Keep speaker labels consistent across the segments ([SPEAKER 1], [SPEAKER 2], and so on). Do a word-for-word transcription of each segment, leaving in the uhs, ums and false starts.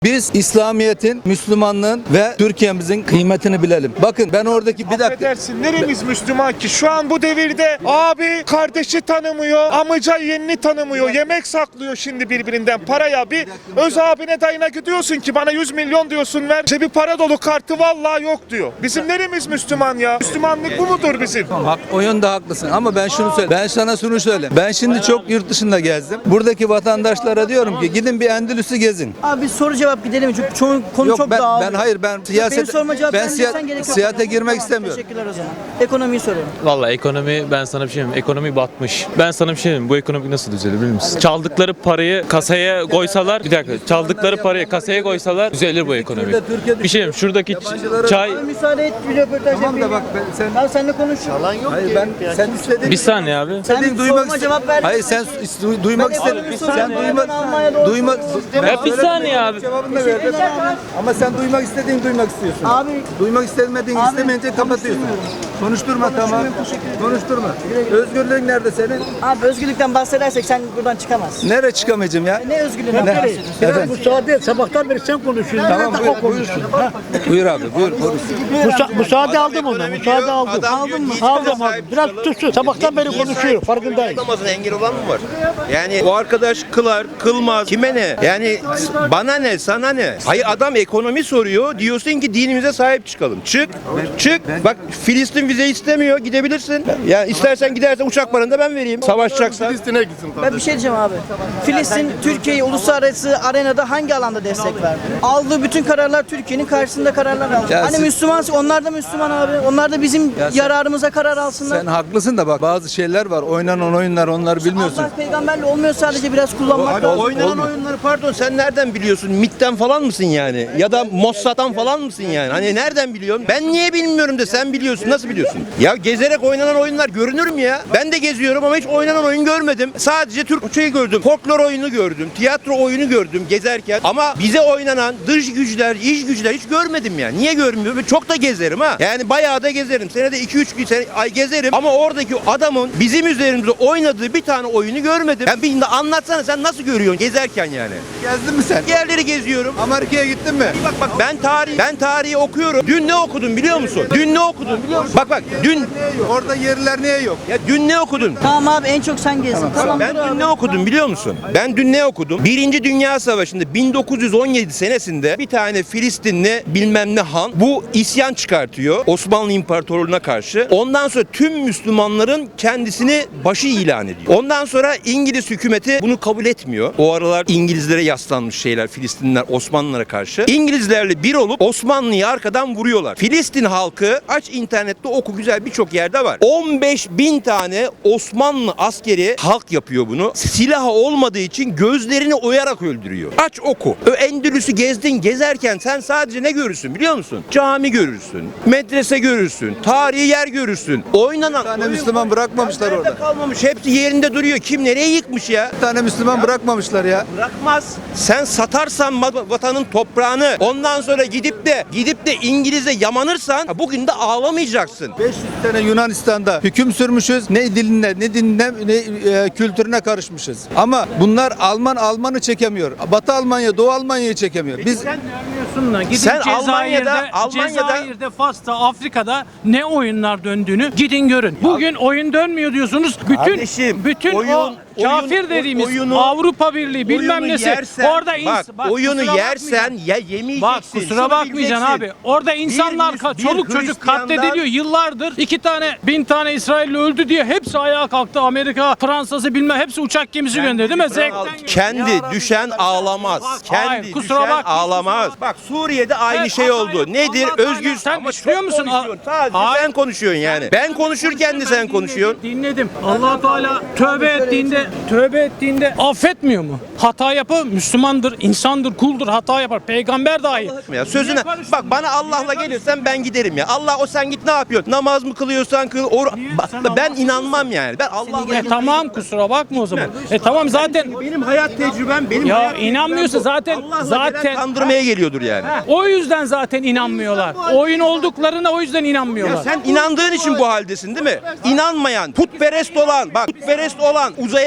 [SPEAKER 1] Biz İslamiyet'in, Müslümanlığın ve Türkiye'mizin kıymetini bilelim. Bakın ben oradaki bir dakika.
[SPEAKER 2] Affedersin, neremiz Müslüman ki? Şu an bu devirde abi kardeşi tanımıyor, amca yeğenini tanımıyor, yemek saklıyor şimdi birbirinden paraya. Bir öz abine dayına gidiyorsun ki bana yüz milyon diyorsun ver. İşte bir para dolu kartı vallahi yok diyor. Bizim neremiz Müslüman ya? Müslümanlık bu mudur bizim?
[SPEAKER 1] Hak, o yönde haklısın ama ben şunu söyle. Ben sana şunu söyleyeyim. Ben şimdi çok yurt dışında gezdim. Buradaki vatandaşlara diyorum ki gidin bir Endülüs'ü gezin.
[SPEAKER 3] Abi soru cevap gidelim çünkü çoğu konu
[SPEAKER 1] Yok
[SPEAKER 3] çok
[SPEAKER 1] ben,
[SPEAKER 3] dağılıyor.
[SPEAKER 1] ben hayır ben
[SPEAKER 3] Benim
[SPEAKER 1] siyaset
[SPEAKER 3] soruma cevap
[SPEAKER 1] ben
[SPEAKER 3] vermeyeceksen
[SPEAKER 1] siya-
[SPEAKER 3] gerek yok.
[SPEAKER 1] siyasete girmek
[SPEAKER 3] Tamam,
[SPEAKER 1] istemiyorum.
[SPEAKER 3] Teşekkürler o zaman. Ekonomiyi soruyorum.
[SPEAKER 4] Valla ekonomi ben sana bir şey diyeyim. Ekonomi batmış. Ben sana bir şey diyeyim. Bu ekonomi nasıl düzelir biliyor musun? Çaldıkları parayı kasaya koysalar, bir dakika. Çaldıkları parayı kasaya koysalar düzelir bu ekonomi.
[SPEAKER 1] Türkiye'de- Türkiye'de-
[SPEAKER 4] Bir şey diyeyim. Şuradaki
[SPEAKER 1] Yabancılara-
[SPEAKER 4] çay
[SPEAKER 3] Abi müsaade et bir röportaj
[SPEAKER 1] Tamam da
[SPEAKER 3] yapayım.
[SPEAKER 1] bak ben, sen
[SPEAKER 3] Ben seninle konuşuyorum.
[SPEAKER 1] hayır ben sen istediğin
[SPEAKER 4] bir saniye abi.
[SPEAKER 3] Sen
[SPEAKER 1] istediğin duymak
[SPEAKER 3] soruma
[SPEAKER 1] iste-
[SPEAKER 3] cevap ver.
[SPEAKER 1] Hayır sen du- duymak
[SPEAKER 3] Ben
[SPEAKER 1] istedin.
[SPEAKER 3] ekonomi
[SPEAKER 1] Sen
[SPEAKER 3] soruyorum.
[SPEAKER 1] duymak
[SPEAKER 3] Ben Almanya'da
[SPEAKER 1] duymak
[SPEAKER 3] oturuyorum.
[SPEAKER 4] Ya bir saniye abi.
[SPEAKER 1] Cevabını da verdin. Ama sen duymak istediğin duymak istiyorsun.
[SPEAKER 3] Abi
[SPEAKER 1] Duymak istemediğin
[SPEAKER 3] Abi,
[SPEAKER 1] istemeyince kapatıyorsun. Konuşturma tamam.
[SPEAKER 3] Konuşmuyorum, teşekkür ederim.
[SPEAKER 1] Konuşturma. Özgürlüğün nerede senin?
[SPEAKER 3] abi özgürlükten bahsedersek sen buradan çıkamazsın.
[SPEAKER 1] Nereye çıkamayacağım ya?
[SPEAKER 3] Ne özgürlüğünden
[SPEAKER 1] Ne?
[SPEAKER 3] bahsediyorsun?
[SPEAKER 1] Efendim?
[SPEAKER 5] Müsaade et. Sabahtan beri sen konuşuyorsun.
[SPEAKER 1] Tamam
[SPEAKER 5] Nerede
[SPEAKER 1] buyur,
[SPEAKER 5] o konuşsun? Ha?
[SPEAKER 1] Buyur abi buyur konuş.
[SPEAKER 5] Musa müsaade aldım ondan. Müsaade aldım.
[SPEAKER 6] Aldın mı?
[SPEAKER 5] Aldım aldım. Biraz tutsun. Sabahtan beri konuşuyor. Farkındayım.
[SPEAKER 6] Namazına engel olan mı var? Yani o arkadaş kılar, kılmaz. Kime ne? Yani bana ne, sana ne? Hayır adam ekonomi soruyor. Diyorsun ki dinimize sahip çıkalım. Çık, çık. Bak Filistin vize istemiyor. Gidebilirsin. Ya istersen gidersen uçak paranı da ben vereyim. Savaşacaksan.
[SPEAKER 5] Filistin'e gitsin.
[SPEAKER 3] Ben bir şey diyeceğim abi. Filistin Türkiye'yi uluslararası arenada hangi alanda destek verdi? Aldığı bütün kararlar Türkiye'nin karşısında kararlar aldı.
[SPEAKER 1] Ya
[SPEAKER 3] Hani
[SPEAKER 1] siz-
[SPEAKER 3] Müslüman, onlar da Müslüman abi. Onlar da bizim
[SPEAKER 1] Ya sen-
[SPEAKER 3] yararımıza karar alsınlar.
[SPEAKER 1] Sen haklısın da bak bazı şeyler var. Oynanan oyunlar onları bilmiyorsun.
[SPEAKER 3] Allah peygamberle olmuyor, sadece biraz kullanmak
[SPEAKER 6] Abi
[SPEAKER 3] lazım.
[SPEAKER 6] oynanan oyunları pardon sen nereden biliyorsun? MİT'ten falan mısın yani? Ya da Mossad'dan falan mısın yani? Hani nereden biliyorsun? Ben niye bilmiyorum da sen biliyorsun. Nasıl biliyorsun? Ya gezerek oynanan oyunlar görünür mü ya? Ben de geziyorum ama hiç oynanan oyun görmedim. Sadece Türk şeyi gördüm. Folklor oyunu gördüm. Tiyatro oyunu gördüm gezerken. Ama bize oynanan dış güçler, iç güçler hiç görmedim yani. Niye görmüyorum? Çok da gezerim ha. Yani bayağı da gezerim. Senede iki üç sene ay gezerim. Ama oradaki adamın bizim üzerimizde oynadığı bir tane oyunu görmedim. Yani bir de anlatsana sen nasıl görüyorsun gezerken yani?
[SPEAKER 1] Gezdin mi sen?
[SPEAKER 6] Yerleri geziyorum.
[SPEAKER 1] Amerika'ya gittin mi?
[SPEAKER 6] Bak bak ben tarih ben tarihi okuyorum. Dün ne okudum biliyor musun? Dün ne okudum biliyor musun? Bak bak dün
[SPEAKER 1] Orada yerler niye yok?
[SPEAKER 6] ya dün ne okudun?
[SPEAKER 3] Tamam abi, en çok sen gezdin. Tamam,
[SPEAKER 6] Ben
[SPEAKER 3] dur
[SPEAKER 6] dün
[SPEAKER 3] abi.
[SPEAKER 6] ne okudum biliyor musun? Ben dün ne okudum? Birinci Dünya Savaşı'nda bin dokuz yüz on yedi senesinde bir tane Filistinli bilmem ne han bu isyan çıkartıyor Osmanlı İmparatorluğu'na karşı. Ondan sonra tüm Müslümanların kendisini başı ilan ediyor. Ondan sonra İngiliz hükümeti bunu kabul etmiyor. O aralar İngilizlere yaslanmış şeyler Filistinliler Osmanlılara karşı. İngilizlerle bir olup Osmanlı'yı arkadan vuruyorlar. Filistin halkı aç internette oku güzel birçok yerde var. on beş bin tane Osmanlı askeri halk yapıyor bunu. Silahı olmadığı için gözlerini oyarak öldürüyor. Aç oku. Ö Endülüs'ü gezdin gezerken sen sadece ne görürsün biliyor musun? Cami görürsün. Medrese görürsün. Tarihi yer görürsün. Oynanan
[SPEAKER 1] Bir tane
[SPEAKER 6] oyun-
[SPEAKER 1] Müslüman bırakmamışlar
[SPEAKER 6] Nerede
[SPEAKER 1] orada.
[SPEAKER 6] kalmamış. Hepsi yerinde duruyor. Kim nereye yıkmış ya?
[SPEAKER 1] Bir tane Müslüman bırakmamışlar ya.
[SPEAKER 6] Bırakmaz. Sen satarsan ma- vatanın toprağını ondan sonra gidip de gidip de İngiliz'e yamanırsan ha, bugün de ağlamayacaksın.
[SPEAKER 1] beş yüz sene Yunanistan'da hüküm sürmüşüz. Ne diline, ne dinine, ne e, kültürüne karışmışız. Ama bunlar Alman Alman'ı çekemiyor. Batı Almanya, Doğu Almanya'yı çekemiyor. Biz
[SPEAKER 7] Sen diyorsun da gidin
[SPEAKER 6] Sen
[SPEAKER 7] Cezayir'de,
[SPEAKER 6] Almanya'da- Almanya'da-
[SPEAKER 7] Cezayir'de, Fas'ta, Afrika'da ne oyunlar döndüğünü gidin görün. Bugün oyun dönmüyor diyorsunuz. Bütün
[SPEAKER 6] Kardeşim,
[SPEAKER 7] bütün
[SPEAKER 6] oyun-
[SPEAKER 7] o kafir
[SPEAKER 6] oyun-
[SPEAKER 7] dediğimiz
[SPEAKER 6] oyunu-
[SPEAKER 7] Avrupa Birliği bilmem
[SPEAKER 6] Oyunu
[SPEAKER 7] nesi
[SPEAKER 6] yersen-
[SPEAKER 7] orada ins
[SPEAKER 6] bak, oyunu
[SPEAKER 7] kusura
[SPEAKER 6] yersen
[SPEAKER 7] bakmayacaksın.
[SPEAKER 6] ya yemeyeceksin.
[SPEAKER 7] Bak kusura
[SPEAKER 6] Şunu
[SPEAKER 7] bakmayacaksın
[SPEAKER 6] bileceksin.
[SPEAKER 7] abi. Orada insanlar,
[SPEAKER 6] Bir-
[SPEAKER 7] ka-
[SPEAKER 6] bir
[SPEAKER 7] çoluk çocuk
[SPEAKER 6] Hristiyandan-
[SPEAKER 7] katlediliyor yıllardır. İki tane, bin tane İsrailli öldü diye hepsi ayağa kalktı. Amerika, Fransa'sı bilmem hepsi uçak gemisi gönderdi değil mi? Zevkten
[SPEAKER 6] Kendi düşen ağlamaz. Kendi
[SPEAKER 7] Hayır, kusura
[SPEAKER 6] düşen
[SPEAKER 7] bakma,
[SPEAKER 6] ağlamaz.
[SPEAKER 7] kusura
[SPEAKER 6] Bak Suriye'de aynı
[SPEAKER 7] Evet,
[SPEAKER 6] şey
[SPEAKER 7] hata
[SPEAKER 6] oldu.
[SPEAKER 7] yap-
[SPEAKER 6] Nedir?
[SPEAKER 7] Allah Teala-
[SPEAKER 6] Özgür.
[SPEAKER 7] Sen
[SPEAKER 6] Ama
[SPEAKER 7] istiyor
[SPEAKER 6] çok
[SPEAKER 7] musun?
[SPEAKER 6] konuşuyorsun. Sadece
[SPEAKER 7] Hayır.
[SPEAKER 6] sen konuşuyorsun yani. Ben konuşurken de sen konuşuyorsun.
[SPEAKER 7] Dinledim. Allah Teala tövbe ettiğinde tövbe ettiğinde affetmiyor mu? Hata yapı Müslümandır, insandır, kuldur, hata yapar. Peygamber dahi.
[SPEAKER 6] Ya sözüne
[SPEAKER 7] Niye karıştın?
[SPEAKER 6] bak bana Allah'la
[SPEAKER 7] Niye
[SPEAKER 6] gelirsen ben giderim ya. Allah o sen git ne yapıyorsun? Namaz mı kılıyorsan kıl. Or-
[SPEAKER 7] Niye?
[SPEAKER 6] Bak,
[SPEAKER 7] Sen
[SPEAKER 6] ben
[SPEAKER 7] Allah-
[SPEAKER 6] inanmam yani. Ben Allah'la
[SPEAKER 7] E tamam, kusura bakma o zaman. E tamam zaten
[SPEAKER 6] benim hayat tecrübem benim
[SPEAKER 7] ya
[SPEAKER 6] hayat tecrübem
[SPEAKER 7] inanmıyorsa
[SPEAKER 6] bu.
[SPEAKER 7] zaten
[SPEAKER 6] Allah'la
[SPEAKER 7] zaten
[SPEAKER 6] gelen kandırmaya geliyordur yani.
[SPEAKER 7] Ha, o yüzden zaten inanmıyorlar. Oyun olduklarına o yüzden inanmıyorlar.
[SPEAKER 6] Ya sen inandığın için bu haldesin değil mi? İnanmayan, putperest olan, bak putperest olan, uzaya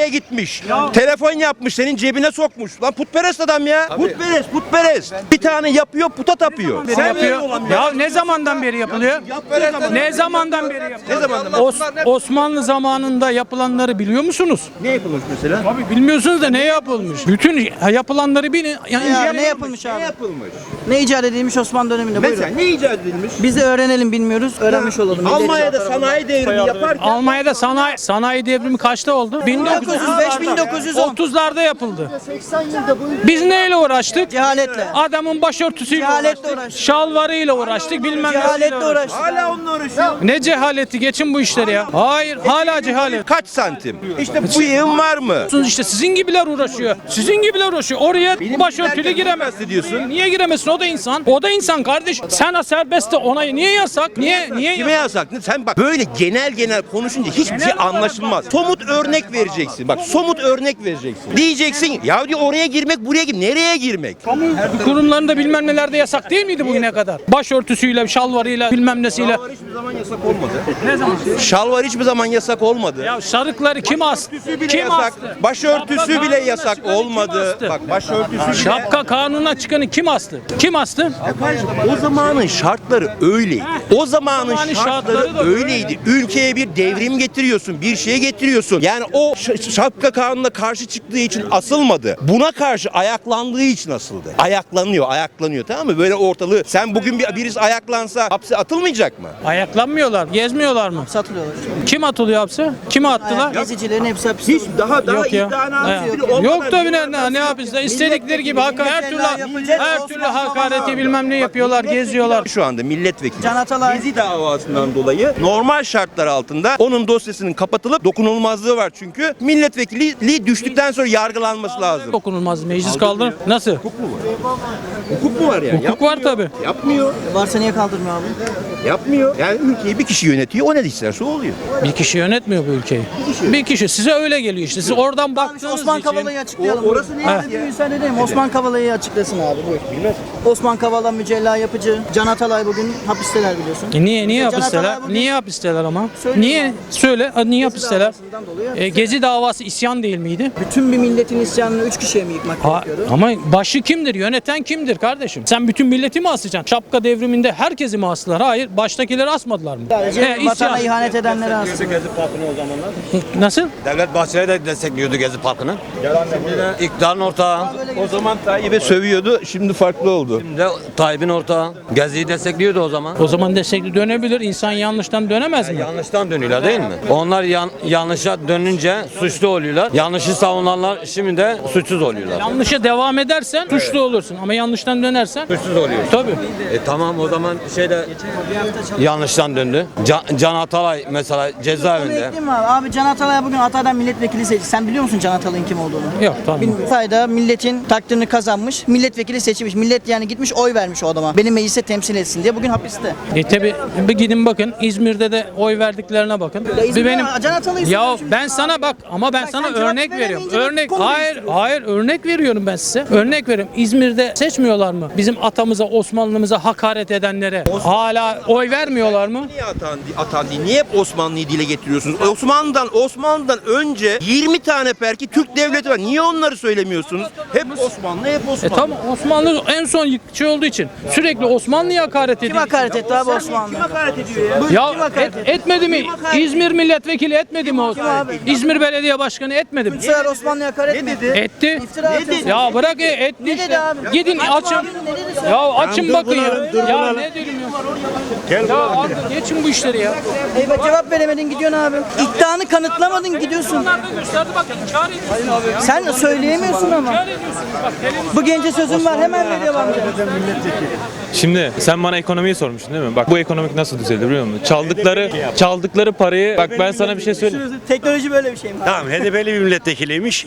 [SPEAKER 6] Uzaya gitmiş. Telefon yapmış, senin cebine sokmuş. Lan putperest adam ya. Putperest, putperest. Bir tane yapıyor, puta tapıyor.
[SPEAKER 7] Ne yapıyor? Ya ne zamandan beri yapılıyor? Ne zamandan beri yapılıyor?
[SPEAKER 6] Ne zamandan?
[SPEAKER 7] Os- Osmanlı zamanında yapılanları biliyor musunuz?
[SPEAKER 6] Ne yapılmış mesela?
[SPEAKER 7] Abi bilmiyorsunuz da ne yapılmış? Bütün yapılanları bilin. Yani
[SPEAKER 3] Ya, ne yapılmış abi?
[SPEAKER 6] Ne yapılmış?
[SPEAKER 3] Ne icat edilmiş Osmanlı döneminde?
[SPEAKER 6] Mesela
[SPEAKER 3] Buyurun.
[SPEAKER 6] ne icat edilmiş?
[SPEAKER 3] Biz de öğrenelim, bilmiyoruz. Öğrenmiş olalım.
[SPEAKER 6] Almanya'da sanayi devrimi yaparken
[SPEAKER 7] Almanya'da sanayi sanayi devrimi kaçta oldu? bin dokuz yüz
[SPEAKER 3] bin dokuz yüz beş bin dokuz yüz on.
[SPEAKER 7] otuzlarda yapıldı. Biz neyle uğraştık?
[SPEAKER 3] Cehaletle.
[SPEAKER 7] Adamın başörtüsüyle
[SPEAKER 3] Cehaletle
[SPEAKER 7] uğraştık.
[SPEAKER 3] uğraştık.
[SPEAKER 7] Şalvarıyla uğraştık, bilmem nesiyle
[SPEAKER 3] Cehaletle
[SPEAKER 7] uğraştık.
[SPEAKER 3] uğraştık.
[SPEAKER 6] hala onunla uğraşıyor.
[SPEAKER 7] Ne cehaleti? Geçin bu işleri ya. Hayır, hala cehalet.
[SPEAKER 6] Kaç santim? İşte bu yığın var mı?
[SPEAKER 7] İşte sizin gibiler uğraşıyor. Sizin gibiler uğraşıyor. Oraya başörtülü
[SPEAKER 6] giderken
[SPEAKER 7] giremez.
[SPEAKER 6] giremez diyorsun.
[SPEAKER 7] Niye giremesin? O da insan. O da insan kardeş. Sen serbest de ona niye yasak? Niye niye
[SPEAKER 6] Kime yasak? Sen bak böyle genel genel konuşunca hiçbir şey anlaşılmaz. Somut örnek vereceksin. Bak somut örnek vereceksin. Diyeceksin ya diyor oraya girmek buraya gir. Nereye girmek?
[SPEAKER 7] kurumlarında bilmem nelerde yasak değil miydi bugüne kadar? Başörtüsüyle, şalvarıyla, bilmem nesiyle.
[SPEAKER 6] Şalvar hiçbir zaman yasak olmadı.
[SPEAKER 7] Ne zaman?
[SPEAKER 6] Şalvar hiçbir zaman yasak olmadı.
[SPEAKER 7] Ya sarıkları kim astı?
[SPEAKER 6] bile
[SPEAKER 7] Kim
[SPEAKER 6] yasak.
[SPEAKER 7] astı?
[SPEAKER 6] Başörtüsü
[SPEAKER 7] Şapka
[SPEAKER 6] bile
[SPEAKER 7] kanununa
[SPEAKER 6] yasak
[SPEAKER 7] çıkanı kim
[SPEAKER 6] olmadı.
[SPEAKER 7] astı?
[SPEAKER 6] Bak başörtüsü bile.
[SPEAKER 7] Şapka kanununa çıkanı kim astı? Kim astı?
[SPEAKER 6] O zamanın şartları öyleydi. O zamanın
[SPEAKER 7] zamanın
[SPEAKER 6] şartları
[SPEAKER 7] şartları da
[SPEAKER 6] öyleydi. Ülkeye bir devrim getiriyorsun, bir şey getiriyorsun. Yani o ş- şapka kanununa karşı çıktığı için asılmadı. Buna karşı ayaklandığı için asıldı. Ayaklanıyor, ayaklanıyor, tamam mı? Böyle ortalığı sen bugün bir birisi ayaklansa hapse atılmayacak mı?
[SPEAKER 7] Ayaklanmıyorlar, gezmiyorlar mı?
[SPEAKER 3] Satılıyorlar.
[SPEAKER 7] Kim atılıyor hapse? Kimi attılar?
[SPEAKER 3] Gezicilerin hepsi hapiste.
[SPEAKER 6] Hiç daha daha
[SPEAKER 7] Yok ya.
[SPEAKER 6] iddianamesi bile
[SPEAKER 7] He.
[SPEAKER 6] olmadan
[SPEAKER 7] Yok tabii ne, ne, ne yapıyorlar? İstedikleri gibi haka, her türlü her türlü hakareti bilmem ne yapıyorlar, geziyorlar.
[SPEAKER 6] Şu anda milletvekili
[SPEAKER 3] Can Atalay.
[SPEAKER 6] Gezi davasından dolayı normal şartlar altında onun dosyasının kapatılıp dokunulmazlığı var çünkü milletvekilliği düştükten sonra yargılanması lazım.
[SPEAKER 7] Dokunulmaz meclis kaldır. Nasıl?
[SPEAKER 6] Hukuk mu var yani?
[SPEAKER 7] Hukuk var tabii.
[SPEAKER 6] Yapmıyor.
[SPEAKER 3] Varsa niye kaldırmıyor abi?
[SPEAKER 6] Yapmıyor. Yani ülkeyi bir kişi yönetiyor. O ne isterse o oluyor.
[SPEAKER 7] Bir kişi yönetmiyor bu ülkeyi. Bir kişi. Size öyle geliyor işte. Siz oradan
[SPEAKER 3] Abi şu
[SPEAKER 7] baktığınız
[SPEAKER 3] Osman
[SPEAKER 7] için.
[SPEAKER 3] Kavala'yı açıklayalım.
[SPEAKER 6] O- orası ne
[SPEAKER 3] Abi bir müsaade edeyim. Osman Kavala'yı açıklasın abi. Buyur. Osman Kavala, Mücella Yapıcı, Can Atalay bugün hapisteler biliyorsun.
[SPEAKER 7] E niye niye
[SPEAKER 3] Can
[SPEAKER 7] hapisteler?
[SPEAKER 3] Atalay bugün-
[SPEAKER 7] Niye hapisteler ama?
[SPEAKER 3] Söyle
[SPEAKER 7] Niye?
[SPEAKER 3] abi.
[SPEAKER 7] Söyle. Ha, niye hapisteler?
[SPEAKER 3] davasından dolayı
[SPEAKER 7] E, Gezi davası isyan değil miydi?
[SPEAKER 3] Bütün bir milletin isyanını üç kişiye mi yıkmak
[SPEAKER 7] Ha,
[SPEAKER 3] gerekiyordu?
[SPEAKER 7] ama başı kimdir? Yöneten kimdir kardeşim? Sen bütün milleti mi asacaksın? Şapka devriminde herkesi mi astılar? Hayır. Baştakileri asmadılar mı?
[SPEAKER 3] Sadece
[SPEAKER 7] E,
[SPEAKER 3] vatana
[SPEAKER 7] isyan.
[SPEAKER 3] ihanet edenleri aslında.
[SPEAKER 7] Nasıl?
[SPEAKER 8] Devlet Bahçeli de destekliyordu Gezi Parkı'nı. Şimdi de iktidarın ortağı.
[SPEAKER 6] O zaman Tayyip'e sövüyordu. Şimdi farklı oldu.
[SPEAKER 8] Şimdi de Tayyip'in ortağı. Gezi'yi destekliyordu o zaman.
[SPEAKER 7] O zaman destekli dönebilir. İnsan yanlıştan dönemez mi?
[SPEAKER 8] Yanlıştan dönüyorlar değil mi? Onlar yan, yanlışa dönünce suçlu oluyorlar. Yanlışı savunanlar şimdi de suçsuz oluyorlar.
[SPEAKER 7] Yanlışa devam edersen suçlu olursun ama yanlıştan dönersen
[SPEAKER 8] Suçsuz oluyor.
[SPEAKER 7] tabii.
[SPEAKER 8] E tamam o zaman şeyde yanlıştan döndü. Can, Can Atalay mesela
[SPEAKER 3] Bunu
[SPEAKER 8] cezaevinde.
[SPEAKER 3] ekleyeyim mi abi? Abi Can Atalay bugün Hatay'dan milletvekili seçildi. Sen biliyor musun Can Atalay'ın kim olduğunu?
[SPEAKER 7] Yok tamam.
[SPEAKER 3] Bilmiyorum. Hatay'da milletin takdirini kazanmış, milletvekili seçilmiş. Millet yani gitmiş oy vermiş o adama. Beni meclise temsil etsin diye bugün hapiste.
[SPEAKER 7] E tabi bir gidin bakın İzmir'de de oy verdiklerine bakın.
[SPEAKER 3] Ya İzmir'de
[SPEAKER 7] Bir benim
[SPEAKER 3] Can Atalay'ı
[SPEAKER 7] ya
[SPEAKER 3] seçmiş.
[SPEAKER 7] ben sana bak ama ben
[SPEAKER 3] Bak
[SPEAKER 7] sana
[SPEAKER 3] sen cevap
[SPEAKER 7] örnek veriyorum.
[SPEAKER 3] veremeyince
[SPEAKER 7] Örnek
[SPEAKER 3] konu
[SPEAKER 7] hayır
[SPEAKER 3] değiştiriyorsun.
[SPEAKER 7] hayır örnek veriyorum ben size. Örnek veriyorum. İzmir'de seçmiyorlar mı? Bizim atamıza, Osmanlımıza hakaret edenlere hala oy vermiyorlar mı?
[SPEAKER 6] Niye atan, atan değil? Niye hep Osmanlı'yı dile getiriyorsunuz? Osmanlı'dan Osmanlı'dan önce yirmi tane belki Türk devleti var. Niye onları söylemiyorsunuz? Hep Osmanlı, hep
[SPEAKER 7] E
[SPEAKER 6] Osmanlı.
[SPEAKER 7] tamam Osmanlı en son yıkıcı olduğu için sürekli Osmanlı'ya hakaret
[SPEAKER 3] Kim
[SPEAKER 7] ediyor.
[SPEAKER 3] hakaret etti abi Osmanlı?
[SPEAKER 6] hakaret ediyor ya?
[SPEAKER 3] Buyur,
[SPEAKER 7] Ya
[SPEAKER 3] kim hakaret
[SPEAKER 7] et-
[SPEAKER 3] etti?
[SPEAKER 7] etmedi mi?
[SPEAKER 3] Kim hakaret etti?
[SPEAKER 7] İzmir milletvekili etmedi mi o?
[SPEAKER 3] abi?
[SPEAKER 7] İzmir Belediye Başkanı etmedi mi?
[SPEAKER 3] Bu sefer Osmanlı'ya hakaret mi etti?
[SPEAKER 7] Etti.
[SPEAKER 3] İftira atıyorsun.
[SPEAKER 7] Ya bırak e, etti
[SPEAKER 3] Ne
[SPEAKER 7] işte.
[SPEAKER 3] dedi abi?
[SPEAKER 7] Gidin
[SPEAKER 3] Açma
[SPEAKER 7] açın.
[SPEAKER 3] abi, ne dedi sen?
[SPEAKER 7] Ya açın bakın ya. Ya ne diyorum ya. Ya abi geçin bu işleri ya.
[SPEAKER 3] Eyvah cevap veremedin gidiyorsun abi. İddianı kanıtlamadın gidiyorsun.
[SPEAKER 7] Bunlar da gösterdi bak inkar ediyorsunuz ya.
[SPEAKER 3] Sen söyleyemiyorsun ama.
[SPEAKER 7] İnkar ediyorsunuz bak televizyon.
[SPEAKER 3] Bu gence sözüm var hemen veriyor bana.
[SPEAKER 4] Şimdi sen bana ekonomiyi sormuştun değil mi? Bak bu ekonomik nasıl düzelir biliyor musun? Çaldıkları çaldıkları parayı bak ben sana bir şey söyleyeyim.
[SPEAKER 3] Teknoloji böyle bir şey mi?
[SPEAKER 9] Tamam H D P'li bir milletvekiliymiş.